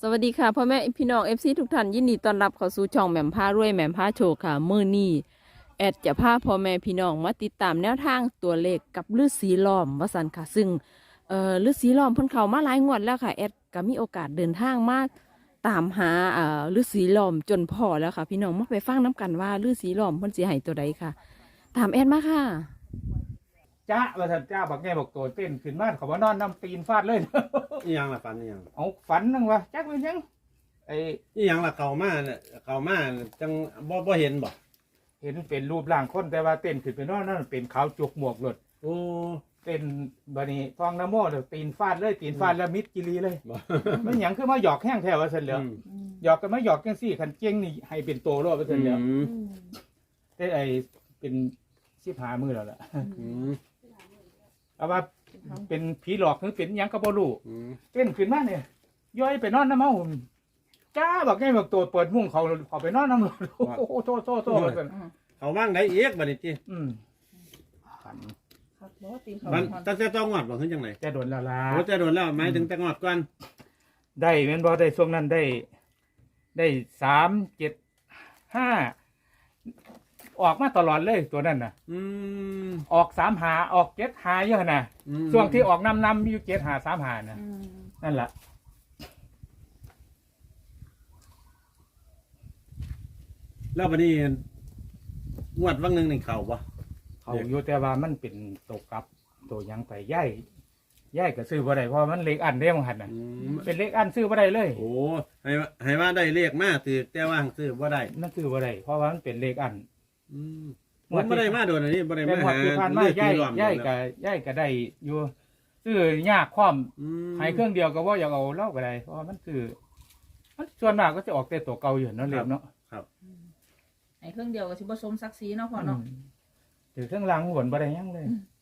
สวัสดีค่ะพ่อแม่พี่น้องFCทุกท่านยินดีต้อนรับเข้าสู่ช่องแหม่มพารวยแหม่มพาโชคค่ะมื้อนี้แอดจะพาพ่อแม่พี่น้องมาติดตามแนวทางตัวเลขกับฤาษีล้อมว่าซั่นค่ะซึ่งฤาษีล้อมเพิ่นเข้ามาหลายงวดแล้วค่ะแอดก็มีโอกาสเดินทางมาตามหาฤาษีล้อมจนพอแล้วค่ะพี่น้องมาไปฟังน้กันว่าฤาษีล้อมเพิ่นสิให้ตัวใดค่ะตามแอดมาค่ะจ้าว่าท่านจ้าบักแง่บอกตัวเต้นขึ้นมาเขาว่านอนน้ำตีนฟาดเลยอีหยังล่ะฝันอีหยังเอาฝันนึงวะจักเป็นยังไออีหยังล่ะเข้ามาเนี่ยเข้ามาจังบ่เห็นบ่เห็นเป็นรูปร่างคนแต่ว่าเต้นขึ้นไปนอนนั่นเป็นขาวจุกหมวกหลดโอ้เต้นบัดนี้ฟองน้ำโม่เลยตีนฟาดเลยตีนฟาดแล้วมิดกิรีเลยบ่มันหยังคือมาหยอกแห้งแถวว่าเสร็จแล้วหยอกกันมาหยอกกันสี่ขันเจ้งนี่ให้เป็นตัวรอดว่าเสร็จแล้วแต่ไอเป็น15 มือแล้วล่ะอืมเอาว่าเป็นผีหลอกหรือเป็นหยังก็บ่รู้อืมเต้นขึ้นมาเนี่ยย้อยไปนอนน้ำเมาจ้าบอกไงบอกตัวเปิดมุ้งเขาไปนอนน้ำหลโอ้โหโซ่เขาว่างได้อีกบัดนี้ติฝันมันตั้งแต่ต้องงอดบ่คือจังได๋จะโดนละลาโอ้จะโดนแล้วหมายถึงแต่งอดก่อนได้แม่นบ่ได้ช่วงนั้นได้375ออกมาตลอดเลยตัวนั้นน่ะอืมออก35ออก75เยอะน่ะช่วงที่ออกนำอยู่75 35น่ะนั่นแหละแล้วบัดนี้งวดวังหนึงนี่เข้าบ่เขาอยู่แต่ว่ามันเป็นตัวกลับตัวหยังไปย่ายก็ซื้อบ่ได้เพราะมันเลขอันเด้มันหันน่ะอืมเป็นเลขอันซื้อบ่ได้เลยโอ้ให้ว่าได้เลขมาถือแต่ว่าซื้อบ่ได้มันซื้อบ่ได้เพราะว่ามันเป็นเลขอันอืมผมบ่ได้มาโดนอันนี้บ่ได้แต่มาหมดหาที่ผ่านมาเลือดย่ายที่ล้อมย่ายก็ได้อยู่ซื้อยากความอืมให้เครื่องเดียวก็บ่อยากเอาเล่าก็ได้เพราะว่ามันคือมันส่วนมากก็จะออกแต่ตัวเก่าอยู่เนาะเรียบเนาะไอ้เครื่องเดียวก็สิบ่สมศักดิ์ศรีเนาะพ่อเนาะถือเครื่องรางหวนบ่ได้หยังเลย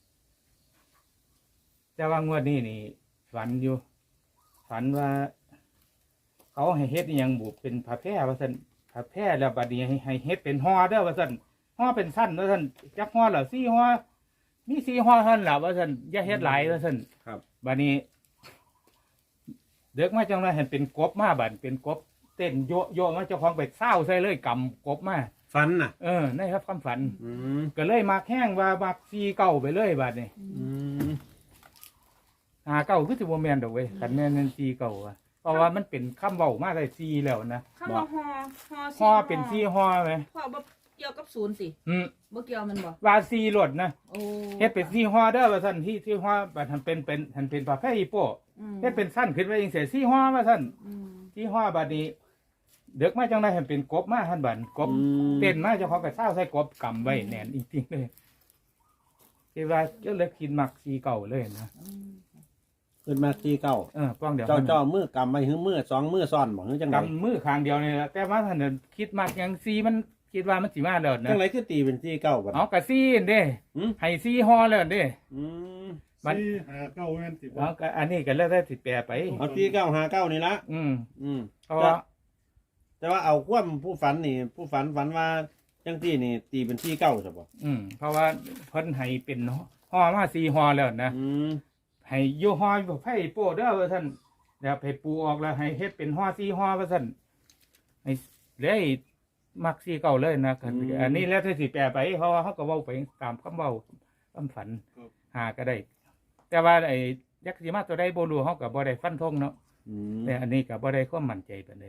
แต่ว่างวดนี้นี่ฝันอยู่ฝันว่า เขาให้เฮ็ดอหยังบุเป็นผ้าแพร่ว่าซั่นผ้าแพร่แล้วบัดนี้ให้เฮ็ดเป็นห่อเด้อว่าซั่นห่อเป็นสั้นว่าซั่นจักห่อละ4ห่อมี4ห่อเท่านั้นล่ะว่าซั่นอย่าเฮ็ดหลายว่าซั่นครับบัดนี้เด็กมาจังได๋เห็นเป็นกบมาบัดเป็นกบเต้นโยมาเจ้าของไปเศร้าใส่เลยกำกบมาฝันน่ะนี่ครับความฝันอืมก็เลยมาแข้งว่ามัก4เก้าไปเลยบัดนี้อืม 5เก้าคือสิบ่แม่นดอกเว้ยคันแม่น4เก้าอะเพราะว่ามันเป็นคำเว้ามาได้4แล้วนะคำว่าฮอห่อเป็น4ห่อไหมพ่อบ่เกี่ยวกับศูนย์สิอืมบ่เกี่ยวมันบ่ว่า4รถนะโอ้เฮ็ดเป็น4ห่อเด้อว่าซั่นที่ห่อบัดหันเป็นผ้าแพร่อีโป้อืมเฮ็ดเป็นสั้นขึ้นไปจังซี่4ห่อว่าซั่นอืม 4ห่อบัดนี้เด็กมาจังได๋เห็นเป็นกบมาหั่นบัดกบ เต้นมาเจ้าของก็เศร้าใส่กบกำไว้แน่นจริงๆเลยที่ว่าเจ้าเล็กกินหมักสีเก่าเลยนะขึ้นมาที่เก้าป้องเดี๋ยวเจ้ามือกำไว้หื้อมือสองมือซ้อนบ่หื้อจังไดกำมือข้างเดียวนี่แหละแต่ว่าท่านนคิดมากอย่างซีมันคิดว่ามันสิมาแล้วนะจังไรคือตีเป็นที่เก้าบัดเอากระซีนเด้หืมให้ซีฮอแล้วเด้อืมมัน 4 5 9แม่นสิบ่เอาก็อันนี้ก็แล้วได้สิแปลไปเอาที่เก้าหาเก้านี่ละอืมอืมเพราะว่าแต่ว่าเอาความผู้ฝันนี่ ผู้ฝันว่าจังที่นี่ตีเป็นที่เก้าใช่บ่เพราะว่าเพิ่นให้เป็นฮอมาซีฮอแล้วนะอืมให้อยู่ฮออยู่ไผโป้เด้อว่าซั่นแล้วให้ปูออกแล้วให้เฮ็ดเป็นฮอซีฮอว่าซั่นให้เลยมักซีเก่าเลยนะอันนี้แล้วถ้าสิแปลไปเพราะว่าเขาก็เว้าไปตามคำเว้าคำฝันหาก็ได้ แต่ว่าไอ้ยักษ์สิมาตัวใดบ่รู้เฮาก็บ่ได้ฟันธงเนาะอืมแต่อันนี้ก็บ่ได้ความมั่นใจปานใด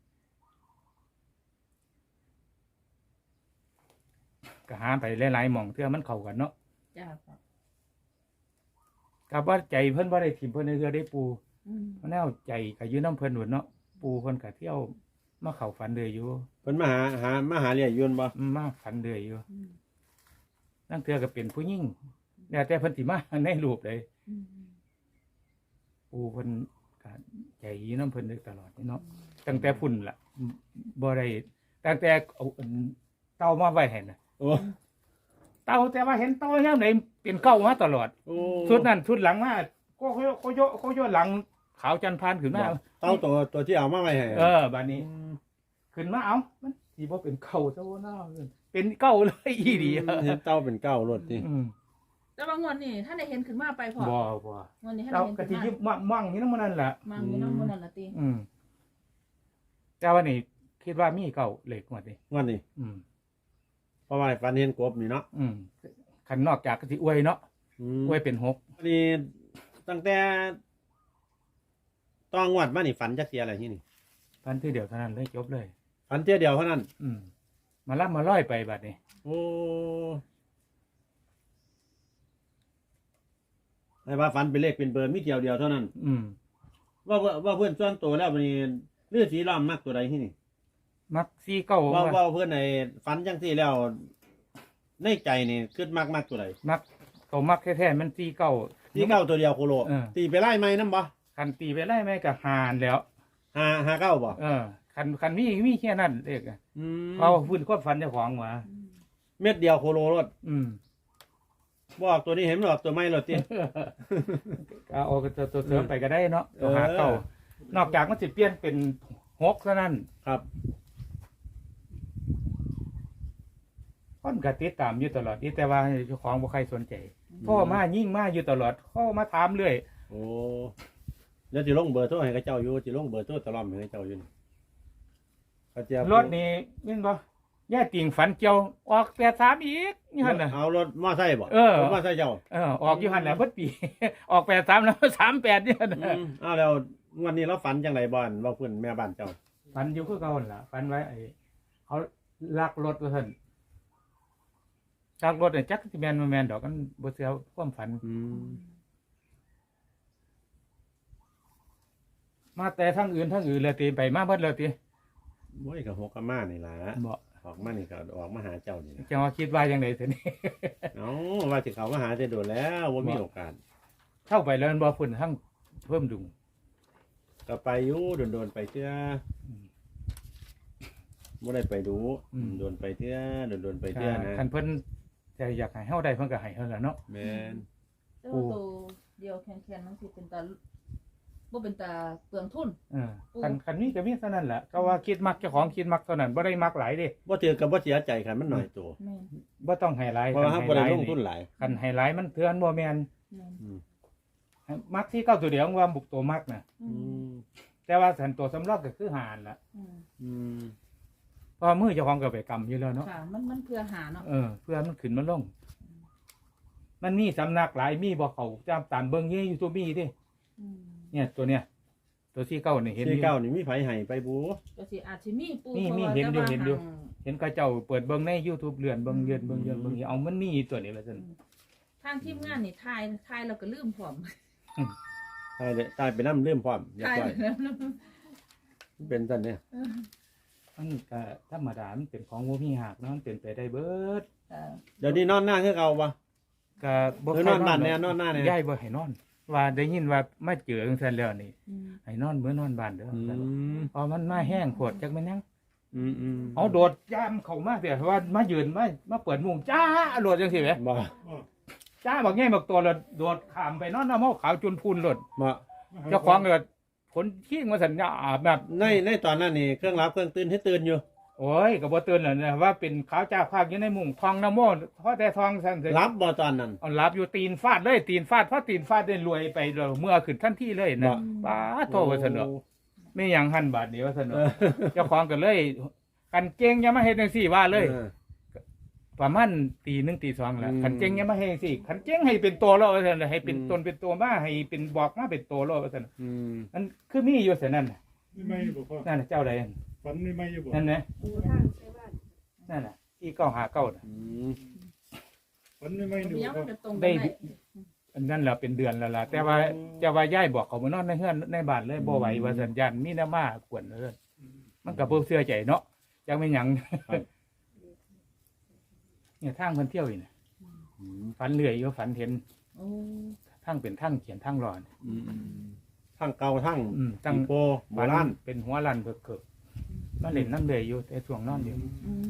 ก็หาไปหลายๆหม่องเทื่อมันเข้ากันเนาะจ้าพ่อก็บ่ใจเพิ่นบ่ได้ถิ่มเพิ่นเทื่อได้ปูอืมเพราะแนวใจก็อยู่นำเพิ่นหนเนาะปูเพิ่นก็เที่ยวมาเข้าฝันเด้ออยู่เพิ่นมาหาเรียยวนบ่มาฝันเด้ออยู่อืมนั่นเทื่อก็เป็นผู้หญิงแล้วแต่เพิ่นสิมาในรูปใดอืมปูเพิ่นก็ใจอยู่นำเพิ่นเด้อตลอดเนาะตั้งแต่พุ่นล่ะบ่ได้ตั้งแต่เอาอันเต้ามาไว้ให้น่ะโอ้เต่าแต่ว่าเห็นเต่ายามไหนเป็นเก้ามาตลอดโอ้ชุดนั้นชุดหลังมาก็โยหลังขาวจันทร์พานขึ้นมาเต้าตัวที่เอามาไว้ให้บัดนี้ ขึ้นมาเอามันสิบ่เป็นเก้าซะบ่เนาะเป็นเก้าเลยอีดีเห็นเต้าเป็นเก้ารถนี่แต่ว่างวดนี้ท่านได้เห็นขึ้นมาไปพ่อบ่งวดนี้ท่านเต่าได้เห็นก็ขึ้สินมายิบมั่งนี่นำมันนั่นล่ะมามีน้ำมันนั่นล่ะติอืมแต่ว่านี่คิดว่ามีเก่าเหล็กหมดนี่งวดนี้อืมเพราะว่าฝันเห็นกบนี่เนาะคันนอกจากก็สิอวยเนาะอวยเป็น6 อันนี้ตั้งแต่ต้องงวดมานี่ฝันจักเสียอะไรที่นี่พันที่เดียวเท่านั้นเลยจบเลยฝันเที่ยเดียวเท่านั้นมารับมาร้อยไปบัดนี้โอ้ให้ว่าฝันเป็นเลขเป็นเบอร์มีเดียวเดียวเท่านั้น ว่าเพื่อนส่วนตัวแล้ววันนี้เลือดสีล้อมมากตัวใดที่นี่มักซีเก้าว่าเพื่อนในฝันจังที่แล้วในใจนี่ขึ้นมากตัวใดมักเขามักแท้ๆมันซีเก้าที่เก้าตัวเดียวโคโลเออตีไปไล่ไหมน้ำบ่คันตีไปไล่แม่กับหานแล้วหาเก้าบ่คันมีแค่นั้นเอกเขาพื้นควบฟันเจ้าของมาเม็ดเดียวโคโลรถ บอกตัวนี้เห็นหรอกตัวไม่หรอกตีเอาตัวเสริมไปก็ได้เนาะตัวหาเก้านอกจากมันสิเปลี่ยนเป็น6เท่านั้นครับคนก็ติดตามอยู่ตลอดนี่แต่ว่าเจ้าของบ่ใครสนใจพ่อมายิ่งมาอยู่ตลอดเข้ามาถามเรื่อยโอ้แล้วจิลงเบอร์โทรให้กับเจ้าอยู่จิลงเบอร์โทรตลอดให้กับเจ้าอยู่นี่เขาจะรถนี่แม่นบ่ย่าติ่งฝันเจียวออก83อีกนี่หั่นน่ะเอารถมอไซค์บ่เออรถมอไซค์เจ้าออกอยู่หั่นแหละเพิ่นปี ออก83แล้ว38นี่หั่นน่ะเอาแล้ววันนี้เราฝันจังไรบ้านว่าเพื่อนแม่บ้านเจ้าฝันอยู่คือเก่าหั่นล่ะฝันไว้เขาลักรถว่าซั่นลักรถน่ะจักสิแม่นบ่แม่นดอกมันบ่เชื่อความฝัน มาแต่ทั้งอื่นเลยติไปมาเบิดเลยติโอ้ยกับหกกับมานี่ล่ะบ่ออกมานี่ก็ออกมาหาเจ้านี่ล่ะจังว่าคิดว่าจังได๋ซั่นนี่เอาว่าสิเขามาหาจะโดนแล้วว่ามีโอกาสเข้าไปแล้วมันบ่พุ่นทั้งเพิ่มดุงก็ไปอยู่โดนๆไปเตื้อบ่ได้ไปดูโดนไปเตื้อโดนไปเตื้อนะคันเพิ่นจะอยากให้เฮาได้เพิ่นก็ให้เฮาล่ะเนาะแม่นแต่ว่าตัวเดียวแข็งๆมันสิเป็นตาบ่เป็นตาเปลืองทุนคันนี้ก็มีเท่านั้นแหละก็ว่าคิดมักเจ้าของคิดมักเท่านั้นบ่ได้มักหลายเด้บ่ถือกับบ่เสียใจคันมันน้อยตัวแม่นบ่ต้องให้หลายเพราะว่าเฮาบ่ได้ลงทุนหลายคันให้หลายมันเทือนบ่แม่นแม่นมักที่เก้าตัวเดียวว่าบุกตัวมักน่ะอืมแต่ว่าสันตัวสำรองก็คือหานล่ะอืมอืมเพราะมือเจ้าของก็ไปกำอยู่แล้วเนาะค่ะมันเพื่อหาเนาะเพื่อมันขึ้นมันลง มันมีสำนักหลายมีบ่เขาจำตามเบิ่งอยู่ YouTube มีดิอืมเนี่ยตัวเนี้ยตัวที่เก้านี่เห็นที่เก้านี่มีไผให้ไปบูก็สิอาจสิมีปูมีพราะว่าเห็นอยู่แต่ว่าเห็นอยู่ห่างเห็นเขาเจ้าเปิดเบิ่งใน YouTube เลื่อนเบิ่งเลื่อนเบิ่งเอามันมีตัวนี้ว่าซั่นทางทีมงานนี่ทายเราก็ลืมพร้อมตายเลยตายไปน้ำเริ่มพร้อมเรียบทายร้อยแล้วเป็นซั่นเนี่ยมันก็ธรรมดามันเป็นของบ่มีหักเนาะมันเป็นไปได้เบิดเดี๋ยวนี้นอนหน้าคือเก่าบ่ก็บ่เออนอนบ้านแน่นอนหน้าแน่ย้ายบ่ให้นอน ว่าได้ยินว่ามาเจอจังซั่นแล้วนี่อืมให้นอนมื้อนอนบ้านเด้ออืมพอมันมาแห้งโพดจักแม่นหยังอืมเอาโดดย่ามเข้ามาเสียว่ามายืนมาเปิดมุงจ้าโดดจังซี่แหมบ่จ้าบักแง่บักตัวแล้วโดดข้ามไปนอนน้ำเมาขาวจุนพูนโลดบ่เจ้าของก็ผลขี้มาสัญญาอาบแบบในตอนนั้นนี่เครื่องรับเครื่องตื่นให้ตื่นอยู่โอ้ยก็บ่ตื่นแล้วนะว่าเป็นขาวจ้าภาคอยู่ในมุงทองน้ำโมเพราะแต่ทองซั่นเถอะรับบ่ตอนนั้นเอาหลับอยู่ตีนฟาดเลยตีนฟาดเพราะตีนฟาดได้รวยไปแล้วเมื่อขึ้นทันทีเลยนะบ่ป้าโทว่าซั่นเนาะไม่หยังหันบาทเดียวซั่นเนาะเออเจ้าของก็เลยกันเก่งอย่ามาเฮ็ดจังซี่ว่าเลย ประมาณตีหนึ่งตีสองแล้วอืมขันเจ๊งยังมาให้สิขันเจ๊งให้เป็นตัวเราเถอะให้เป็นตนเป็นตัวมาให้เป็นบอกมาเป็นตัวเราเถอะอืมนั่นคือมีอยู่เสียนั่นน่ะไม่บ่พ่อนั่นน่ะเจ้าใดนั่นฝันไม่อยู่บ่นั่นนะนั่นน่ะที่เก้าหาเก้าน่ะอืมฝันไม่อยู่ยังพ่อมันจะตรงกันได้ได้อันนั่นแหละเป็นเดือนแล้วล่ะแต่ว่าจะว่าย่ายบอกเขามานอนในเฮือนในบ้านเลยบ่ไหวว่าสัญญาณมีน้ำมากวนเลยมันก็บ่เชื่อใจเนาะยังไม่หยังเนี่ยทางเพิ่นเที่ยวอีกน่ะอืมฝันเรื่อยอยู่ฝันเห็นโอ้ทางเป็นทางเขียนทางรอนอืมทั้งเก่าทั้งตั้งอีโปโบราณเป็นหัวลันเบิกเกิดมาเล่นน้ำเลยอยู่แต่ช่วงนอนอยู่อืม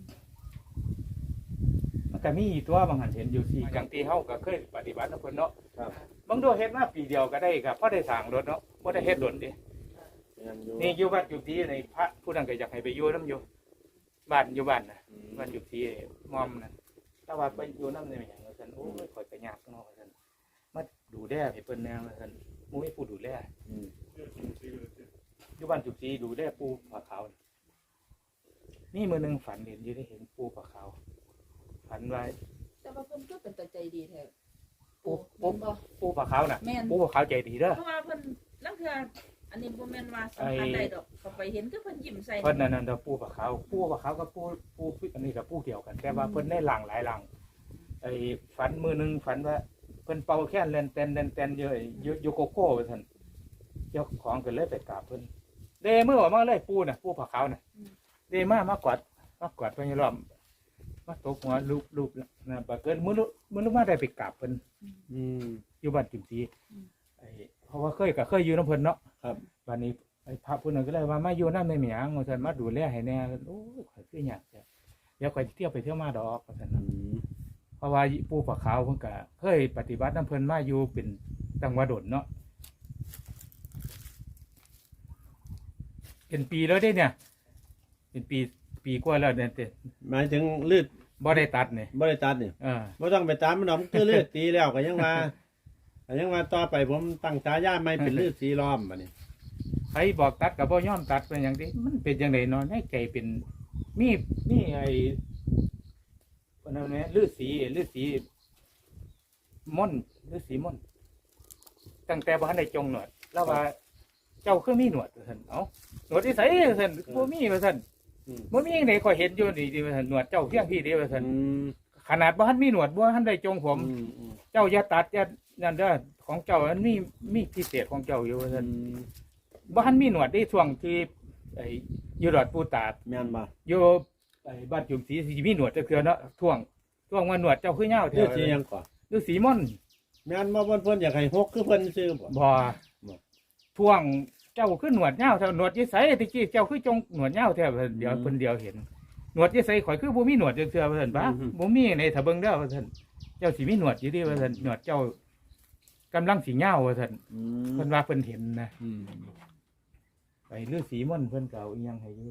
มันก็มีตัวบางหันเห็นอยู่สี่อย่างที่เฮาก็เคยปฏิบัตินะเพิ่นเนาะครับบางตัวเฮ็ดมาปีเดียวก็ได้ครับเพราะได้สร้างรถเนาะบ่ได้เฮ็ดดนดิยังอยู่นี่อยู่วัดอยู่ที่ในพระผู้นั้นก็อยากให้ไปอยู่นํอยู่บ้านอยู่บ้านน่ะบ้านอยู่ที่มอมนั่นแต่ว่าไปอยู่นำได้หยังว่าซั่นโอ้ยข่อยก็ยากเนาะว่าซั่นมาดูแลให้เพิ่นแนวว่าซั่นบ่มีผู้ดูแลอืมอยู่บ้านจุกซีดูได้ปูผาขาวนี่มือหนึ่งฝันเห็นอยู่ได้เห็นปูผาขาวฝันไว้แต่ว่าเพิ่นก็เป็นตาใจดีแท้ปูแม่นบ่ปูผาขาวน่ะแม่นปูผาขาวใจดีเด้อเพราะว่าเพิ่นลังเทื่ออันนี้บ่แม่นว่าสัมผัสได้ดอกเขาไปเห็นคือเพิ่นยิ้มใส่เพิ่นนั่นเด้อปูผาขาวกับปูอันนี้กับปูเดียวกัน แต่ว่าเพิ่นได้หลังหลายหลังไอ้ฝันมือหนึ่งฝันว่าเพิ่นเป่าแค่นเล่นเต้นเยอะโยโกโก้ว่าซั่นเจ้าของก็เลยไปกราบเพิ่นเดมือออกมาเลยปูน่ะปูผาขาวน่ะเดมากอดเพิ่นอยู่รอบมาตบหัวลูบนะบัดเกินมื้อมาได้ไปกราบเพิ่นอืมอยู่บ้านจิมซีไอ้เพราะว่าเคยอยู่น้ำเพิ่นเนาะครับวันนี้ไอ้พระผู้นั้นก็เลยว่ามาอยู่น้ำในเหมียงว่าซั่นมาดูแลให้แน่โอ้ยข่อยคือหยังจ้ะเดี๋ยวข่อยเที่ยวไปเที่ยวมาดอกว่าซั่นอืน่ะมเพราะว่าปู่ปะขาวเพิ่นก็เคยปฏิบัติน้ำเพิ่นมาอยู่เป็นจังหวัดดนเนาะเป็นปีแล้วเด้เนี่ย เป็นปีกว่าแล้วเนี่ยแต่หมายถึงเลือดบ่ได้ตัดเนี่ยบ่ได้ตัดนี่อ่าบ่ต้องไปตามมันหรอกคือเลือดตีแล้วก็ยังว่าก็ยังว่าต่อไปผมตั้งฉายาใหม่เป็นเลือดสีล้อมบัดนี้ใครบอกตัดก็บ่ยอมตัดเป็นหยังดิมันเป็นจังได๋เนาะในใจเป็นมีไอ้เพิ่นเอาแหน่ฤาษีม่อนฤาษีม่อนตั้งแต่บ่ทันได้จงหนวดแล้วว่าเจ้าคือมีหนวดว่าซั่นเอ้าหนวดที่ไสว่าซั่นบ่มีว่าซั่นอืมบ่มีจังได๋ข่อยเห็นอยู่นี่ดิว่าซั่นหนวดเจ้าเพียงพี่เด้ว่าซั่นอืมขนาดบ่ทันมีหนวดบ่ทันได้จงผมอืมเจ้าอย่าตัดอย่านั่นเด้อของเจ้ามันมีพิเศษของเจ้าอยู่ว่าอืซั่นมบ่ทันมีหนวดได้ช่วงที่ไอ้อยู่ดอดปูตาดแม่นบ่อยู่ไอ้บ้านจุ่มสีสิมีหนวดจักเทื่อเนาะช่วงว่าหนวดเจ้าคือยาวแท้เลือดสีหยังก่อนฤาษีม่อนแม่นบ่เพิ่นอยากให้ฮกคือเพิ่นซื้อบ่บ่ช่วงเจ้าคือหนวดยาวเท่าหนวดยี่ไสตะกี้เจ้าคือจงหนวดยาวแท้ว่าซั่นเดี๋ยวเพิ่นเดียวเห็นหนวดยี่ไสข่อยคือบ่มีหนวดจักเทื่อว่าซั่นบ่บ่มีในถ้าเบิ่งเด้อว่าซั่นเจ้าสิมีหนวดอยู่ดิว่าซั่นหนวดเจ้ากำลังสิยาวว่าซั่นอืมเพิ่นว่าเพิ่นเห็นนะอืมไปฤาษีม่อนเพิ่นเก่าอีหยังให้อยู่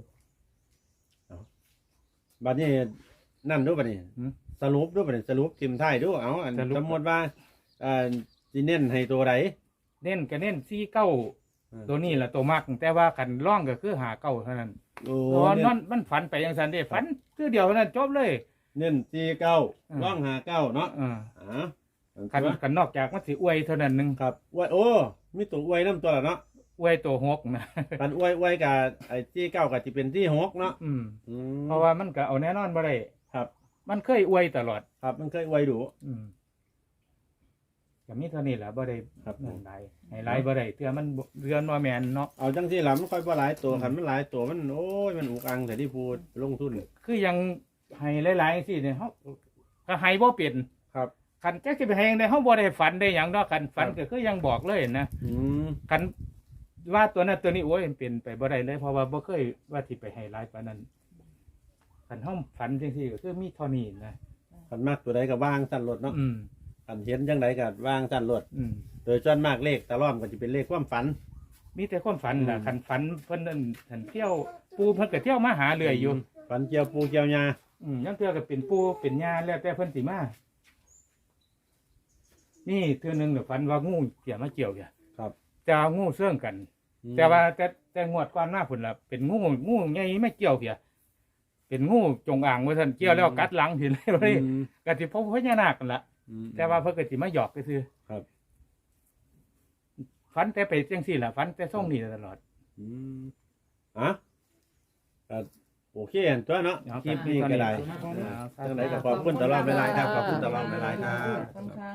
บัดนี้นั่นดูบัดนี้หืมสรุปดูบัดนี้สรุปทิมท้ายดูเอาอันสรุปสมมุติว่าสิเน้นให้ตัวใดเน้นก็เน้น49ตัวนี้ล่ะตัวมักแต่ว่าคันร่องก็คือ59เท่านั้นโอ้เพราะว่าเน้มันฝันไปจังซั่นเด้ฝันคือเดียวเท่านั้นจบเลยเน้น49ร่อง59เนาะอ่าอ่าคันนอกจากมันสิอวยเท่านั้นหนึงครับอวยโอ้มีตัวอวยน้ำตัวละเนาะอวยตัวหกนะกันอวยกับไอ้ที่9กับที่เป็นที่6เนาะอืมอืมเพราะว่ามันก็เอาแน่นอนบ่ได้ครับมันเคยอวยตลอดครับมันเคยอวยดูอืมก็มีเท่านี้แหละบ่ได้ครับนั่นหลายให้หลายบ่ได้เทื่อมันเรือนว่าแม่นเนาะเอาจังที่หลัมันค่อยบ่หลายตัวคันมันหลายตัวมันโอ้ยมันอุกอังแต่ที่พูดลงทุนคือยังให้หลายๆสิเนี่ยเฮาก็ให้บ่เป็นครับคันจักสิไปให้จังได๋เฮาบ่ได้ฝันได้หยังดอกคันฝันครับก็คือยังบอกเลยนะอืมคันว่าตัวนั้นตัวนี้โอ้ยมันเป็นไปบ่ได้เลยเพราะว่าบ่เคยว่าสิไปให้หลายปานนั้นคันเฮาฝันจังซี่ก็คือมีเท่านี้นะคันมากตัวใดก็ว่างสั้นรถเนาะอืมคันเห็นจังไดก็ว่างสั้นรถอืมโดยส่วนมากเลขตะล่อมก็จะเป็นเลขความฝันมีแต่ความฝันล่ะอืมคันฝันเพิ่นนั่นคันเที่ยวปูเพิ่นก็เที่ยวมาหาเรื่อยอยู่ฝันเกี่ยวปูเกี่ยวยายังเทื่อก็เป็นปูเป็นญาแล้วแต่เพิ่นสิมานี่เทื่อหนึงน่ะฝันว่างูเกี่ยวมาเกี่ยวเนี่ยครับจะเอางูเสื่องกันอืมแต่ว่าแต่งวดก่อนหน้าพุ่นล่ะเป็นงูใหญ่ไม่เกี่ยวเพียเป็นงูจงอางว่าซั่นเกี่ยวแล้วกัดหลังเห็นเลยว่าอืมก็สิพบพญานาคกันล่ะอืมแต่ว่าเพิ่นก็สิมาหยอกก็คือครับฝันแต่ไปจังซี่ล่ะฝันแต่ส่งนี่ตลอดอืมอ่ะก็โอเคอันตัวเนาะเอาคลิปนี้ก็ได้ครับจังไดก็ขอบคุณตลอดเวลาครับขอบคุณตลอดเวลาครับขอบคุณค่ะ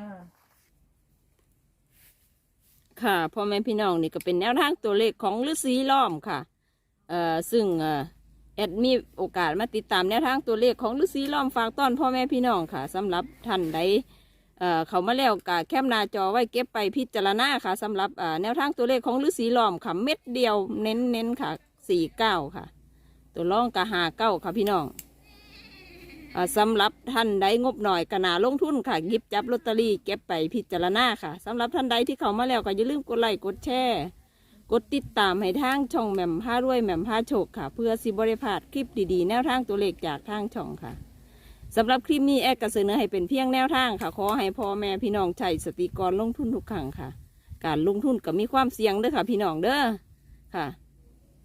ค่ะพ่อแม่พี่น้องนี่ก็เป็นแนวทางตัวเลขของฤาษีล้อมค่ะซึ่งแอดมีโอกาสมาติดตามแนวทางตัวเลขของฤาษีล้อมฝากต้อนพ่อแม่พี่น้องค่ะสำหรับท่านใดเขามาแล้วกะแคปหน้าจอไว้เก็บไปพิจารณาค่ะสำหรับแนวทางตัวเลขของฤาษีล้อมค่ะเม็ดเดียวเน้นค่ะ49ค่ะ ตัวร่องกะ59ค่ะพี่น้องสำหรับท่านใดงบหน่อยกะนาลงทุนค่ะหยิบจับลอตเตอรี่เก็บไปพิจารณาค่ะสำหรับท่านใดที่เข้ามาแล้วก็อย่าลืมกดไลค์กดแชร์กดติดตามให้ทางช่องแหม่มผ้ารวยแหม่มผ้าโชคค่ะ เพื่อสิบริพลาดคลิปดีๆแนวทางตัวเลขจากทางช่องค่ะสำหรับคลิปนี้แอดก็เสนอให้เป็นเพียงแนวทางค่ะขอให้พ่อแม่พี่น้องใช้สติก่อนลงทุนทุกครั้งค่ะ การลงทุนก็มีความเสี่ยงเด้อค่ะพี่น้องเด้อค่ะ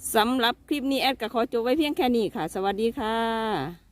สำหรับคลิปนี้แอดก็ขอจบไว้เพียงแค่นี้ค่ะ สวัสดีค่ะ